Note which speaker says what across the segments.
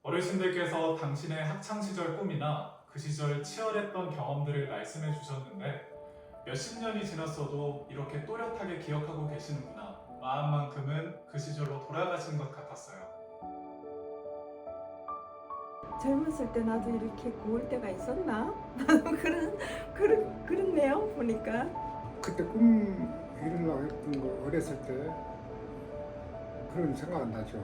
Speaker 1: 어르신들께서 당신의 학창시절 꿈이나 그 시절 치열했던 경험들을 말씀해 주셨는데 몇십 년이 지났어도 이렇게 또렷하게 기억하고 계시는구나. 마음만큼은 그 시절로 돌아가신 것 같았어요.
Speaker 2: 젊었을 때 나도 이렇게 고울 때가 있었나? 그렇네요, 보니까.
Speaker 3: 그때 꿈 이루려고 했던 거 어렸을 때 그런 생각은 나죠.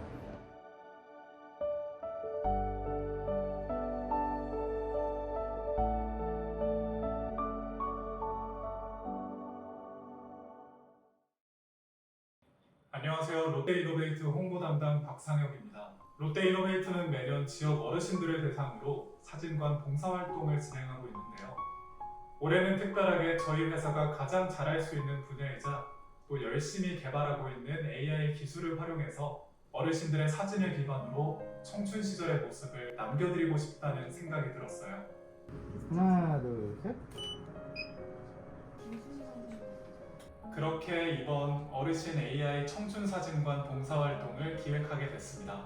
Speaker 1: 안녕하세요. 롯데이노베이트 홍보 담당 박상혁입니다. 롯데이노베이트는 매년 지역 어르신들을 대상으로 사진관 봉사활동을 진행하고 있는데요. 올해는 특별하게 저희 회사가 가장 잘할 수 있는 분야이자 또 열심히 개발하고 있는 AI 기술을 활용해서 어르신들의 사진을 기반으로 청춘 시절의 모습을 남겨드리고 싶다는 생각이 들었어요.
Speaker 3: 하나, 둘, 셋.
Speaker 1: 그렇게 이번 어르신 AI 청춘 사진관 봉사활동을 기획하게 됐습니다.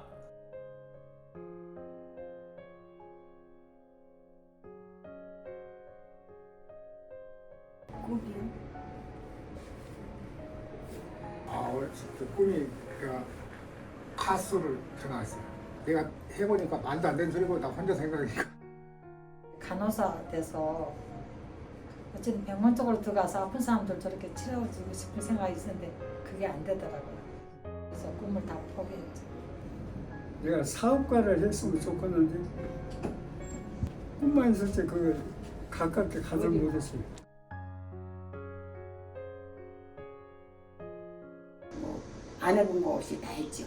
Speaker 2: 꿈이요?
Speaker 3: 어렸을 때 꿈이 내가 가수를 전화했어요. 내가 해보니까 말도 안 되는 소리고 나 혼자 생각하니까.
Speaker 4: 간호사 돼서 어쨌든 병원 쪽으로 들어가서 아픈 사람들 저렇게 치료해주고 싶은 생각이 있었는데 그게 안 되더라고요. 그래서 꿈을 다 포기했죠.
Speaker 5: 내가 사업가를 했으면 좋겠는데 꿈만 있을 때 그걸 가깝게 가지 못했어요.
Speaker 6: 안 해본 거 없이 다 했죠.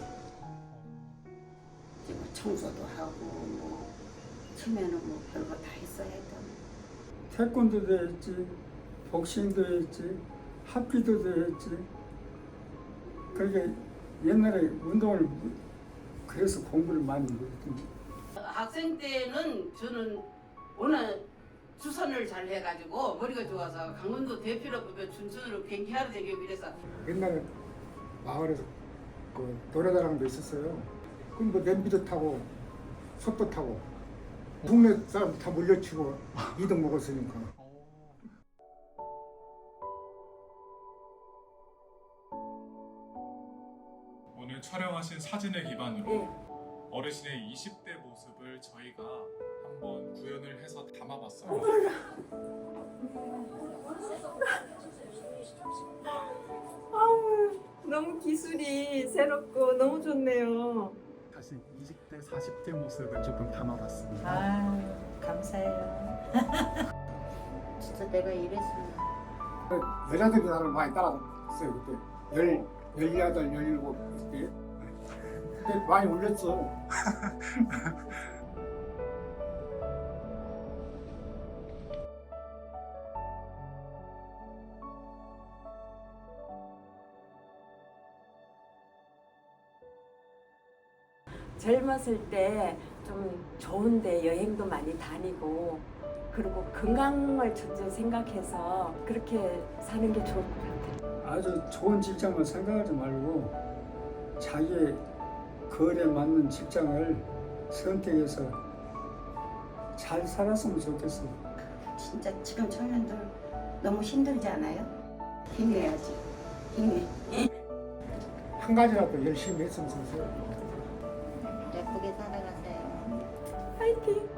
Speaker 6: 이제 뭐 청소도 하고 뭐 처음에는 뭐 별거 다 했어야 했던.
Speaker 5: 태권도도 했지, 복싱도 했지, 합기도도 했지. 그러니까 옛날에 운동을 그래서 공부를 많이 했던.
Speaker 7: 학생 때는 저는 워낙 주선을 잘 해가지고 머리가 좋아서 강원도 대표로 뽑혀 춘천으로 경기하러 다니고 이래서
Speaker 3: 옛날에 마을에서 그 노래자랑도 있었어요. 그럼 뭐 냄비도 타고 솥도 타고 동네 사람 다 물려치고 2등 먹었으니까.
Speaker 1: 오늘 촬영하신 사진을 기반으로
Speaker 2: 네.
Speaker 1: 어르신의 20대 모습을 저희가 한번 구현을 해서 담아봤어요.
Speaker 2: 아우, 너무 기술이 새롭고 너무 좋네요.
Speaker 8: 다시 20대, 40대 모습을 조금 담아봤습니다.
Speaker 4: 아 감사해요.
Speaker 6: 진짜 내가 이랬으면
Speaker 3: 여자들이 나를 많이 따라했어요 그때. 18, 17 그때. 그때 많이 울렸어.
Speaker 2: 젊었을 때 좀 좋은데 여행도 많이 다니고 그리고 건강을 먼저 생각해서 그렇게 사는 게 좋을 것 같아요.
Speaker 5: 아주 좋은 직장만 생각하지 말고 자기의 거리에 맞는 직장을 선택해서 잘 살았으면 좋겠어요.
Speaker 6: 진짜 지금 청년들 너무 힘들지 않아요? 힘내야지. 힘내.
Speaker 3: 한 가지라도 열심히 했으면 좋겠어요.
Speaker 6: 예쁘게 살아가세요.
Speaker 2: 파이팅!